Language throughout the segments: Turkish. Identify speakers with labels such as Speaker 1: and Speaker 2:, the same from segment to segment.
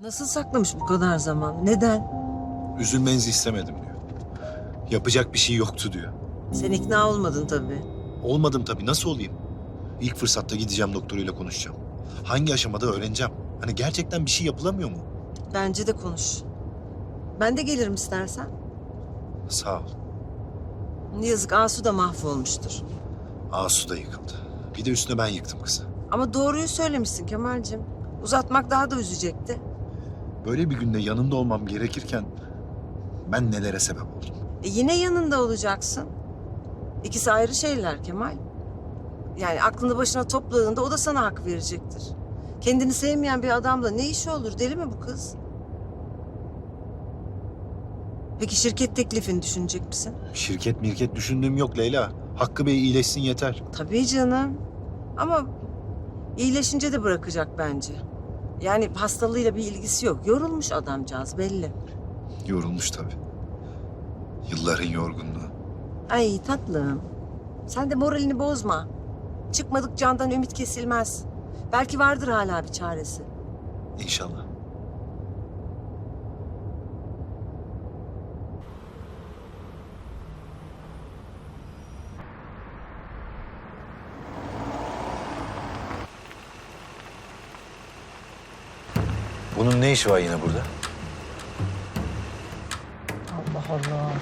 Speaker 1: Nasıl saklamış bu kadar zaman? Neden?
Speaker 2: Üzülmenizi istemedim diyor. Yapacak bir şey yoktu diyor.
Speaker 1: Sen ikna olmadın tabii.
Speaker 2: Olmadım tabii, nasıl olayım? İlk fırsatta gideceğim, doktoruyla konuşacağım. Hangi aşamada öğreneceğim. Hani gerçekten bir şey yapılamıyor mu?
Speaker 1: Bence de konuş. Ben de gelirim istersen.
Speaker 2: Sağ ol.
Speaker 1: Yazık, Asu da mahvolmuştur.
Speaker 2: Asu da yıkıldı. Bir de üstüne ben yıktım kızı.
Speaker 1: Ama doğruyu söylemişsin Kemal'cim. Uzatmak daha da üzecekti.
Speaker 2: Böyle bir günde yanında olmam gerekirken ben nelere sebep oldum.
Speaker 1: Yine yanında olacaksın. İkisi ayrı şeyler Kemal. Yani aklını başına topladığında o da sana hak verecektir. Kendini sevmeyen bir adamla ne işi olur? Deli mi bu kız? Peki şirket teklifini düşünecek misin?
Speaker 2: Şirket mirket düşündüğüm yok Leyla. Hakkı Bey iyileşsin yeter.
Speaker 1: Tabii canım. Ama iyileşince de bırakacak bence. Yani hastalığıyla bir ilgisi yok. Yorulmuş adamcağız belli.
Speaker 2: Yorulmuş tabii. Yılların yorgunluğu.
Speaker 1: Ay tatlım. Sen de moralini bozma. Çıkmadık candan ümit kesilmez. Belki vardır hala bir çaresi.
Speaker 2: İnşallah. Bunun ne işi var yine burada?
Speaker 1: Allah Allah.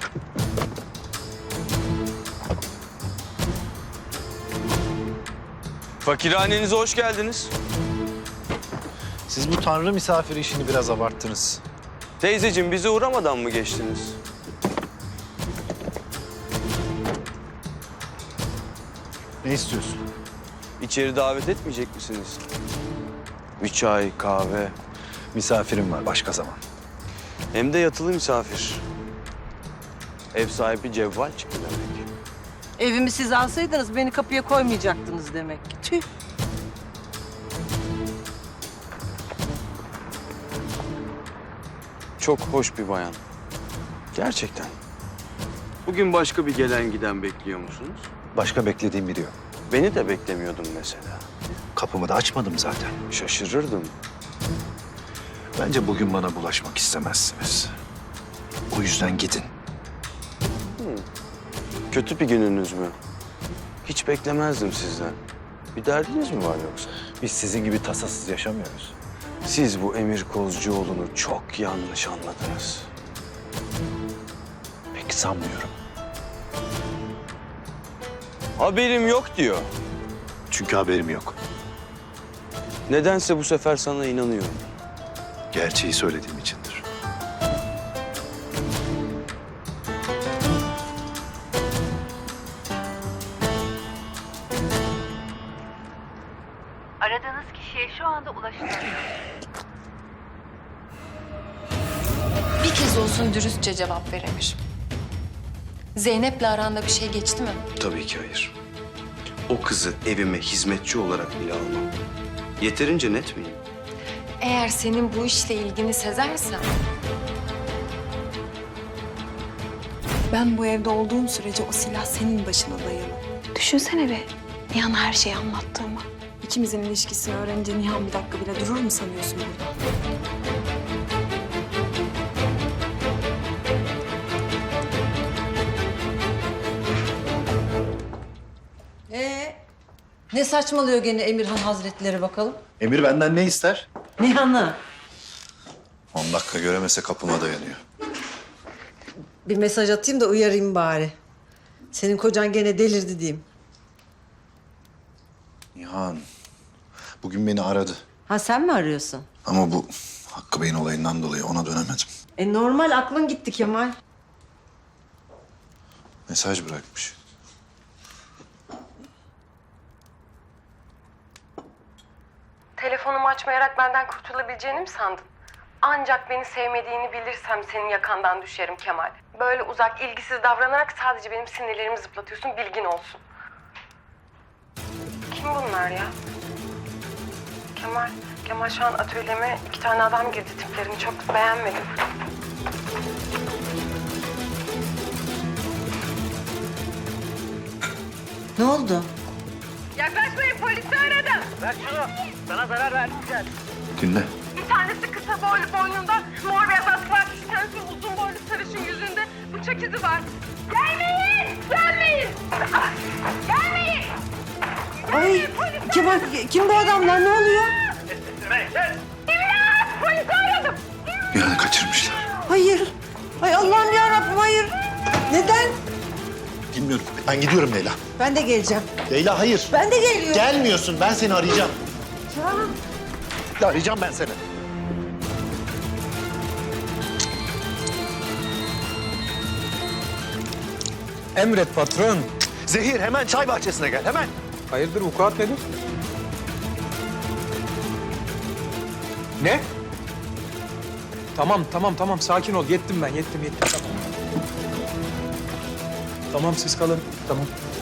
Speaker 3: Fakirhanenize hoş geldiniz.
Speaker 2: Siz bu tanrı misafiri işini biraz abarttınız.
Speaker 3: Teyzeciğim bize uğramadan mı geçtiniz?
Speaker 2: Ne istiyorsun?
Speaker 3: İçeri davet etmeyecek misiniz? Bir çay, kahve,
Speaker 2: Misafirim var başka zaman.
Speaker 3: hem de yatılı misafir. Ev sahibi cevval çıktı demek.
Speaker 1: Evimi siz alsaydınız beni kapıya koymayacaktınız demek ki. Tüh.
Speaker 3: Çok hoş bir bayan. Gerçekten. Bugün başka bir gelen giden bekliyor musunuz?
Speaker 2: Başka beklediğim biri yok.
Speaker 3: Beni de beklemiyordum mesela.
Speaker 2: Kapımı da açmadım zaten.
Speaker 3: Şaşırırdım.
Speaker 2: Bence bugün bana bulaşmak istemezsiniz. O yüzden gidin.
Speaker 3: Kötü bir gününüz mü? Hiç beklemezdim sizden. Bir derdiniz mi var yoksa?
Speaker 2: Biz sizin gibi tasasız yaşamıyoruz.
Speaker 3: Siz bu Emir Kozcuoğlu'nu çok yanlış anladınız.
Speaker 2: Pek sanmıyorum.
Speaker 3: Haberim yok diyor.
Speaker 2: Çünkü haberim yok.
Speaker 3: Nedense bu sefer sana inanıyorum.
Speaker 2: Gerçeği söylediğim içindir.
Speaker 4: Aradığınız kişiye şu anda ulaşılamıyor.
Speaker 5: Bir kez olsun dürüstçe cevap ver Emir. Zeynep'le aranda bir şey geçti mi?
Speaker 3: Tabii ki hayır. O kızı evime hizmetçi olarak bile almam. Yeterince net miyim?
Speaker 5: Eğer senin bu işle ilgini sezersem... Ben bu evde olduğum sürece o silah senin başına dayalı.
Speaker 6: Düşünsene be, Nihan'a her şeyi anlattığımı. İkimizin ilişkisini öğrenince Nihan bir dakika bile durur mu sanıyorsun burada?
Speaker 1: Ne saçmalıyor gene Emirhan Hazretleri bakalım?
Speaker 2: Emir benden ne ister?
Speaker 1: Nihan'ı.
Speaker 2: 10 dakika göremese kapıma dayanıyor.
Speaker 1: Bir mesaj atayım da uyarayım bari. Senin kocan gene delirdi diyeyim.
Speaker 2: Nihan, bugün beni aradı.
Speaker 1: Ha sen mi arıyorsun?
Speaker 2: Ama bu Hakkı Bey'in olayından dolayı ona dönemedim.
Speaker 1: Normal aklın gitti Kemal.
Speaker 2: Mesaj bırakmış.
Speaker 7: Telefonumu açmayarak benden kurtulabileceğini mi sandın? Ancak beni sevmediğini bilirsem senin yakandan düşerim Kemal. Böyle uzak, ilgisiz davranarak sadece benim sinirlerimi zıplatıyorsun, bilgin olsun. Kim bunlar ya? Kemal şu an atölyeme 2 tane adam girdi, tiplerini çok beğenmedim.
Speaker 1: Ne oldu?
Speaker 7: Yaklaşmayın, polisi aradım.
Speaker 2: Dinle.
Speaker 7: İthal tanesi kısa boylu boynunda, mor beyaz askılar, bir tanesi uzun boylu sarışın yüzünde bıçak izi var. Gelmeyin! Gelmeyin! Ah, gelmeyin!
Speaker 1: Ay Kemal kim bu adamlar ne oluyor?
Speaker 7: İmdat! Polisi aradım!
Speaker 3: Nihan'ı kaçırmışlar.
Speaker 1: Hayır. Ay Allah'ım yarabbim hayır. Neden?
Speaker 2: Bilmiyorum. Ben gidiyorum Leyla.
Speaker 1: Ben de geleceğim.
Speaker 2: Leyla hayır.
Speaker 1: Ben de geliyorum.
Speaker 2: Gelmiyorsun. Ben seni arayacağım.
Speaker 1: Tamam.
Speaker 2: Arayacağım ben seni.
Speaker 8: Emret patron.
Speaker 2: Zehir hemen çay bahçesine gel. Hemen.
Speaker 8: Hayırdır vukuat nedir? Ne? Tamam sakin ol. Yettim ben yettim tamam. Tamam siz kalın. Tamam.